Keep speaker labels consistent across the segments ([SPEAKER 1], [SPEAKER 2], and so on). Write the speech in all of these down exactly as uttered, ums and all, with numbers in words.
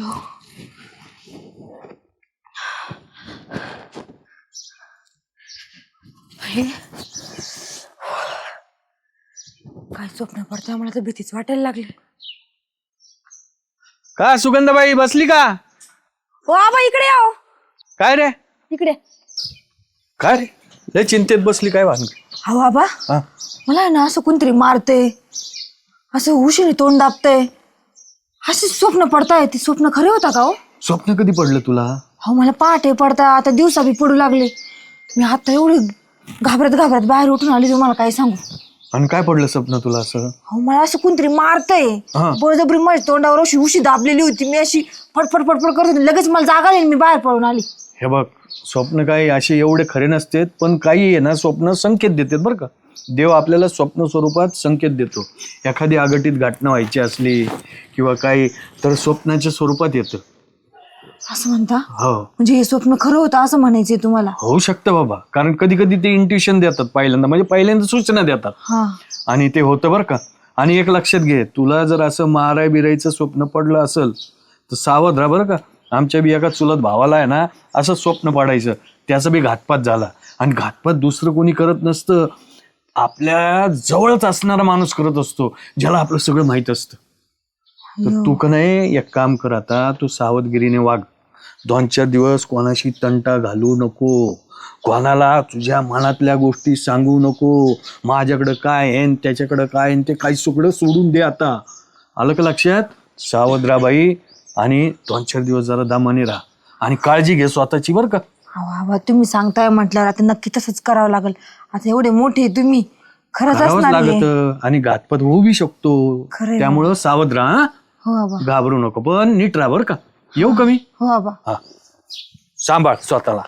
[SPEAKER 1] अयो हे काय स्वप्न पडतंय मला तर भीतीच वाटायला लागली.
[SPEAKER 2] का सुगंधाबाई बसली का?
[SPEAKER 1] हो आबा इकडे या.
[SPEAKER 2] काय रे
[SPEAKER 1] इकडे
[SPEAKER 2] काय रे लय चिंतेत बसली काय भानगड?
[SPEAKER 1] हो आबा
[SPEAKER 2] हा
[SPEAKER 1] मला ना असं कोणतरी मारते असं उशीने तोंड दाबते असे स्वप्न पडताय. ते स्वप्न खरे होता का हो?
[SPEAKER 2] स्वप्न कधी पडलं तुला?
[SPEAKER 1] हो मला पहाटे पडता आता दिवसा बी पडू लागले. मी आता एवढी घाबरत घाबरत बाहेर उठून आली तुम्हाला काय सांगू.
[SPEAKER 2] आणि काय पडलं स्वप्न तुला असं?
[SPEAKER 1] हो मला असं कोणतरी मारतय बळजबरी माझ्या तोंडावर अशी उशी दाबलेली होती. मी अशी फटफट फटफट करत होती. लगेच मला जागा आली मी बाहेर पळून आली.
[SPEAKER 2] हे बघ स्वप्न काही असे एवढे खरे नसतेत पण काही आहे ना स्वप्न संकेत देतात बरं का. देव आपल्याला स्वप्न स्वरूपात संकेत देतो. एखादी अघटित घटना व्हायची असली किंवा काही तर स्वप्नाच्या स्वरूपात येतं.
[SPEAKER 1] असं म्हणता?
[SPEAKER 2] हो
[SPEAKER 1] म्हणजे हे स्वप्न खरं होतं असं म्हणायचंय तुम्हाला?
[SPEAKER 2] होऊ शकतं बाबा कारण कधी कधी ते इंट्युशन देतात पहिल्यांदा म्हणजे पहिल्यांदा सूचना देतात
[SPEAKER 1] हा
[SPEAKER 2] आणि ते होतं बरं का. आणि एक लक्षात घे तुला जर असं माराय बिरायचं स्वप्न पडलं असेल तर सावध राहा बरं का. आमच्या बी एका चुलत भावाला आहे ना असं स्वप्न पडायचं त्याचा बी घातपात झाला. आणि घातपात दुसरं कोणी करत नसतं आपल्या जवळच असणारा माणूस करत असतो ज्याला आपलं सगळं माहित असतं. तर तू का नाही एक काम कर आता तू सावधगिरीने वाग. दोन चार दिवस कोणाशी तंटा घालू नको. कोणाला तुझ्या मनातल्या गोष्टी सांगू नको. माझ्याकडं काय आहे त्याच्याकडं काय आहे ते काही सगळं सोडून दे आता. आलं का लक्षात? सावध राहा बाई आणि दोन चार दिवस जरा दामाने राहा आणि काळजी घे स्वतःची बरं का.
[SPEAKER 1] बाबा तुम्ही सांगताय म्हटल्यावर आता नक्की तसंच करावं लागेल. आता एवढे मोठे तुम्ही खरंच
[SPEAKER 2] करावंच
[SPEAKER 1] असणार हे.
[SPEAKER 2] लागत आणि घातपात होऊ बी शकतो
[SPEAKER 1] खरंय
[SPEAKER 2] त्यामुळं सावध राहा.
[SPEAKER 1] हो बाबा
[SPEAKER 2] घाबरू नको पण नीट राहा बरं का. येऊ का मी?
[SPEAKER 1] हो बाबा.
[SPEAKER 2] हा सांभाळ स्वतःला.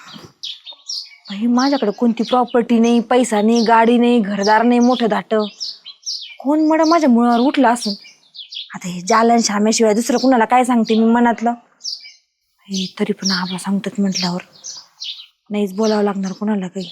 [SPEAKER 1] बाई माझ्याकडे कोणती प्रॉपर्टी नाही पैसा नाही गाडी नाही घरदार नाही मोठं धाट. कोण मड माझ्या मुळावर उठलं असून आता हे जालन श्याम्याशिवाय दुसरं कुणाला काय सांगते मी मनातलं. हे तरी पण आबा सांगतात म्हटल्यावर नाहीच बोलावं लागणार कुणाला काही.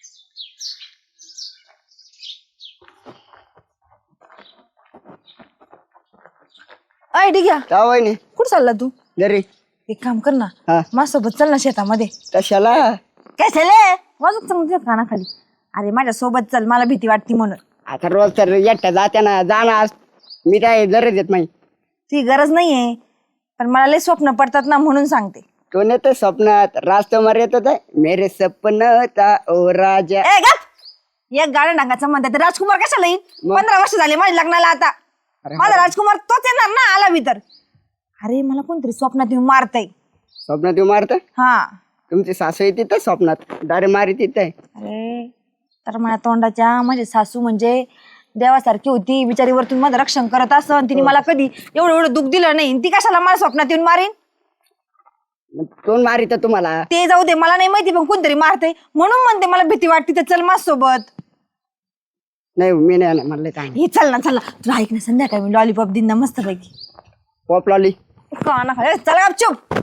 [SPEAKER 1] अय ठीक आहे कुठं चालला तू?
[SPEAKER 3] घरी.
[SPEAKER 1] एक काम कर ना
[SPEAKER 3] हा.
[SPEAKER 1] माझ्यासोबत चल ना शेतामध्ये.
[SPEAKER 3] कशाला?
[SPEAKER 1] काय झालंय वाजत सांगते कानाखाली. अरे माझ्या सोबत चल मला भीती वाटते म्हणून.
[SPEAKER 3] आता रोज तर एकट्या जात्या ना जाणार मी काय गरज येत नाही.
[SPEAKER 1] ती गरज नाहीये पण मला लय स्वप्न पडतात ना म्हणून सांगते.
[SPEAKER 3] तो नेतो स्वप्नात राजकुमार येत होता मेरे सपन था ओ राजा.
[SPEAKER 1] ए गप एक गाड्या डांगाचा म्हणतात राजकुमार कशाला येईल? पंधरा वर्ष झाले माझ्या लग्नाला आता. माझा राजकुमार तोच येणार ना आला भीतर. अरे मला कोणतरी स्वप्नात येऊन मारतय.
[SPEAKER 3] स्वप्नात येऊ मारत?
[SPEAKER 1] हा
[SPEAKER 3] तुमची सासू येते तर स्वप्नात डायरेक्ट मारी तिथे.
[SPEAKER 1] अरे तर माझ्या तोंडाच्या माझी सासू म्हणजे देवासारखी होती बिचारी वरतून माझं रक्षण करत असं तिने मला कधी एवढं एवढं दुःख दिलं नाही. ती कशाला मला स्वप्नात येऊन मारीन?
[SPEAKER 3] कोण मारित तुम्हाला?
[SPEAKER 1] ते जाऊ दे मला नाही माहिती पण कोणतरी मारते म्हणून म्हणते मला भीती वाटते. तर चल माझ सोबत.
[SPEAKER 3] नाही मी नाही येणार म्हणलं काय.
[SPEAKER 1] हे चल ना चल ना तुला ऐक ना संध्याकाळी मी लॉलीपॉप दिन ना मस्त पैकी.
[SPEAKER 3] पॉप लॉली
[SPEAKER 1] काना खाली चल गपचूप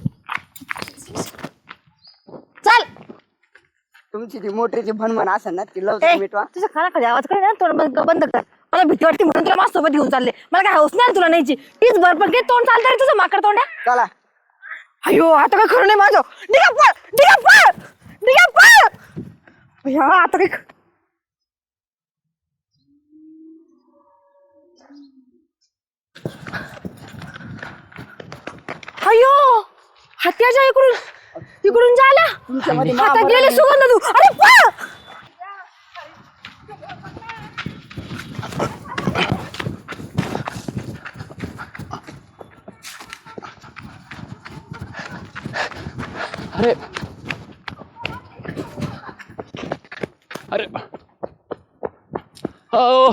[SPEAKER 1] चल.
[SPEAKER 3] तुमची ती मोटरीची भनभन असेल ना ती
[SPEAKER 1] ए,
[SPEAKER 3] लवकर मिटवा.
[SPEAKER 1] तुझ्या कानाखाली आवाज कर ना तोंड बंद बंद कर. मला भीती वाटते म्हणून तुला माझ्या सोबत घेऊन चालले. मला काय हौस नाही तुला न्यायची. तीच भर पण काही तोंड चालतंय रे तुझं माकड तोंड.
[SPEAKER 3] चला.
[SPEAKER 1] अयो आता काय खरं नाही माझं. निघा पळ निघा पळ निघा पळ. अय्या, आता काय अयो हत्याच्या इकडून इकडून झाला आता गेले सुगंध तू. अरे पळ.
[SPEAKER 4] अरे अरे ओ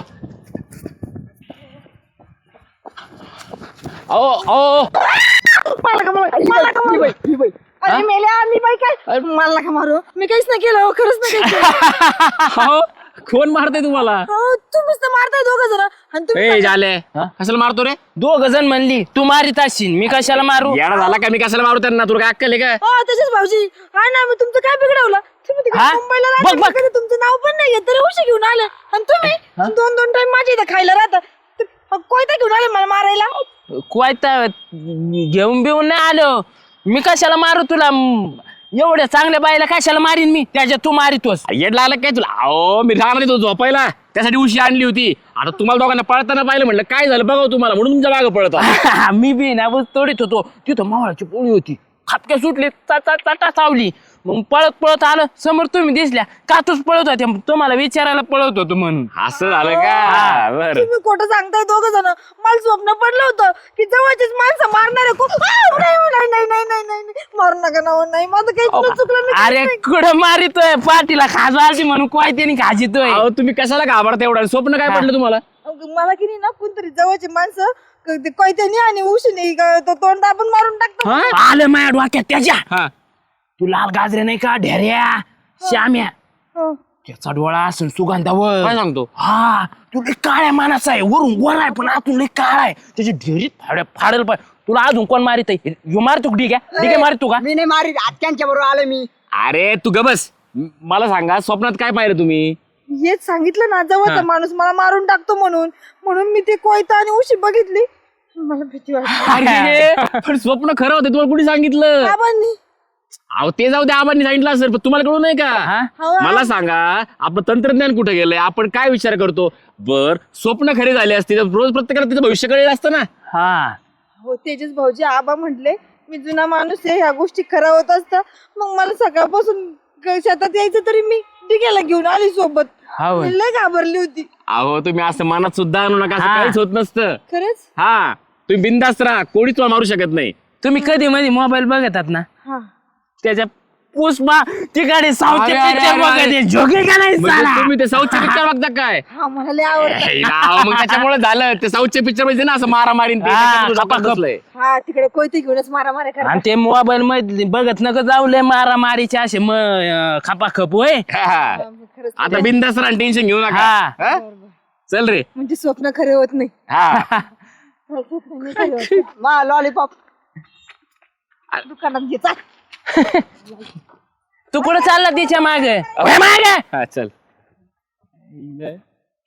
[SPEAKER 4] ओ ओ
[SPEAKER 1] मला का मला मला का मारू? अरे मेल्या मी बाई काय मला का मारू? मी काहीच नाही केलं खरंच नाही केलं.
[SPEAKER 4] हो कोण मारते तुम्हाला?
[SPEAKER 1] तुम्हीच तर मारताय दोघं जण आणि तुम्ही
[SPEAKER 4] ए झाले कशाला मारतो रे?
[SPEAKER 5] दोघ जण म्हणली तू मारित असशील मी कशाला मारू?
[SPEAKER 4] येडा झाला का? मी कशाला मारू त्यांना? तुला काय अक्कल आहे का?
[SPEAKER 1] हो त्याच्याच भाऊजी हा ना मी तुमचं काय बिघडवलं? तुम्ही तिकडे
[SPEAKER 5] हा?
[SPEAKER 1] मुंबईला
[SPEAKER 5] बघ,
[SPEAKER 1] राहता
[SPEAKER 5] बघ.
[SPEAKER 1] कधी तुमचं नाव पण नाही घेत तरी उशी घेऊन आले आणि तुम्ही दोन दोन टाइम माझ्या इथं खायला राहता ते कोयता घेऊन आले मला मारायला.
[SPEAKER 5] कोयता घेऊन बिऊन नाही आलो मी कशाला मारू तुला म, एवढ्या चांगल्या बाईला कशाला मारीन मी त्याच्यात तू मारितोस
[SPEAKER 4] येड लागलं काय तुला अहो मी राहणार नाही तो झोपायला त्यासाठी उशी आणली होती आता तुम्हाला दोघांना पळताना पाहिलं म्हटलं काय झालं बघा तुम्हाला म्हणून तुमच्या मागं पळत
[SPEAKER 5] मी बी ना ऊस तोडीत होतो तिथं मावळाची पोळी होती खापक्या सुटली चाटा चाटा चावली मग पळत पळत आलं समोर तुम्ही दिसल्या का तूच पळत होते तुम्हाला विचारायला पळत होतो म्हणून
[SPEAKER 4] असं झालं का बर
[SPEAKER 1] तुम्ही खोटं सांगताय दोघं जण मला स्वप्न पडलं होतं की जवळचीच माणसं मारणार आहे खूप आ, नाही नाही नाही नाही नाही नाही नाही. मारू नका ना हो, नाही माझं काही चुकलं मी
[SPEAKER 5] अरे कुठं मारितोय पाठीला खाजवायची म्हणून कोयत्याने खाजितोय
[SPEAKER 4] अहो तुम्ही कशाला घाबरता एवढं स्वप्न काय पडलं तुम्हाला
[SPEAKER 1] मला की नाही ना कोणतरी जवळची माणसं क- ते कोयत्यानी आणि उशीने ग- तो तोंड दाबून मारून टाकतो
[SPEAKER 5] आलं माझ्या डोक्यात त्याच्या
[SPEAKER 4] हा
[SPEAKER 5] तू लाल गाजरे नाही का ढेऱ्या श्याम्या
[SPEAKER 1] हं.
[SPEAKER 5] त्याचा डोळा असून सुगंधावर
[SPEAKER 4] काय सांगतो
[SPEAKER 5] हा तू लई काळ्या मानाचा आहे वरून गोरा आहे पण आतून लई काळा आहे त्याची ढेरीत फाड्या फाडेल पाय तुला अजून कोण मारित आहे ह्यो मारतो ठीक आहे ठीक आहे मारतो का
[SPEAKER 3] मी नाही मारी आत्यांच्या बरोबर आलो मी.
[SPEAKER 4] अरे तू ग बस म- मला सांगा स्वप्नात काय पाहिलं तुम्ही
[SPEAKER 1] हेच सांगितलं ना जवळचा माणूस मला मारून टाकतो म्हणून म्हणून मी ते कोयता आणि उशी बघितली मला भीती वाटली
[SPEAKER 4] अरे पण स्वप्न खरं होतं तुम्हाला कुणी सांगितलं
[SPEAKER 1] बाबांनी
[SPEAKER 4] अहो ते जाऊ द्या आबांनी सांगितलं असेल पण तुम्हाला कळू नाही का
[SPEAKER 1] हो.
[SPEAKER 4] मला सांगा आपलं तंत्रज्ञान कुठे गेलंय आपण काय विचार करतो बर स्वप्न खरे झाले असते तर रोज प्रत्येकाला तिचं भविष्य कळलं असतं ना
[SPEAKER 5] हा
[SPEAKER 1] हो तेजस भाऊजी आबा म्हटले मी जुना माणूस आहे ह्या गोष्टी खऱ्या होत असता मग मला सकाळपासून ग- शेतात यायचं तरी मी डिग्याला घेऊन आली सोबत
[SPEAKER 5] हो.
[SPEAKER 1] मी लय घाबरली होती
[SPEAKER 4] अहो तुम्ही असं मनात सुद्धा आणू नका असं
[SPEAKER 5] हा.
[SPEAKER 4] काहीच होत नसतं
[SPEAKER 1] खरंच
[SPEAKER 4] हा तुम्ही बिंदास्त राहा कोणीच तुम्हाला मारू शकत नाही
[SPEAKER 5] तुम्ही कधी मध्ये मोबाईल बघतात ना
[SPEAKER 1] हा
[SPEAKER 5] त्याच्या पुष्पा तिकडे साऊथचे
[SPEAKER 4] अरे, अरे,
[SPEAKER 5] पिक्चर
[SPEAKER 4] अरे,
[SPEAKER 5] बघत
[SPEAKER 4] अरे.
[SPEAKER 5] आहे. झोके का नाही
[SPEAKER 4] म्हणजे
[SPEAKER 5] साला?
[SPEAKER 4] तुम्ही ते साऊथचे पिक्चर बघता काय
[SPEAKER 1] हा मला लय आवडतं
[SPEAKER 4] हे राव, मग त्याच्यामुळे झालं ते साऊथचे पिक्चर म्हणजे ना असं मारा मारीन
[SPEAKER 5] हा, खपाखप.
[SPEAKER 4] बसलंय
[SPEAKER 1] हा तिकडे कोयते घेऊनच मारा मारा करा
[SPEAKER 5] आणि ते मोबाईल मध्ये बघत नका जाऊ लय मारा मारीचे असे म खपाखप होय
[SPEAKER 1] खरंच
[SPEAKER 4] आता बिंदास्त राहा टेन्शन घेऊ नका
[SPEAKER 5] हा.
[SPEAKER 4] हा? चल रे
[SPEAKER 1] म्हणजे स्वप्न खरे होत नाही
[SPEAKER 4] हा
[SPEAKER 1] स्वप्न नाही खरे होत.
[SPEAKER 3] मा लॉलीपॉप
[SPEAKER 1] दुकानात घे चाल.
[SPEAKER 5] तू कुठं चालला तिच्या मागे मागे
[SPEAKER 4] हा चल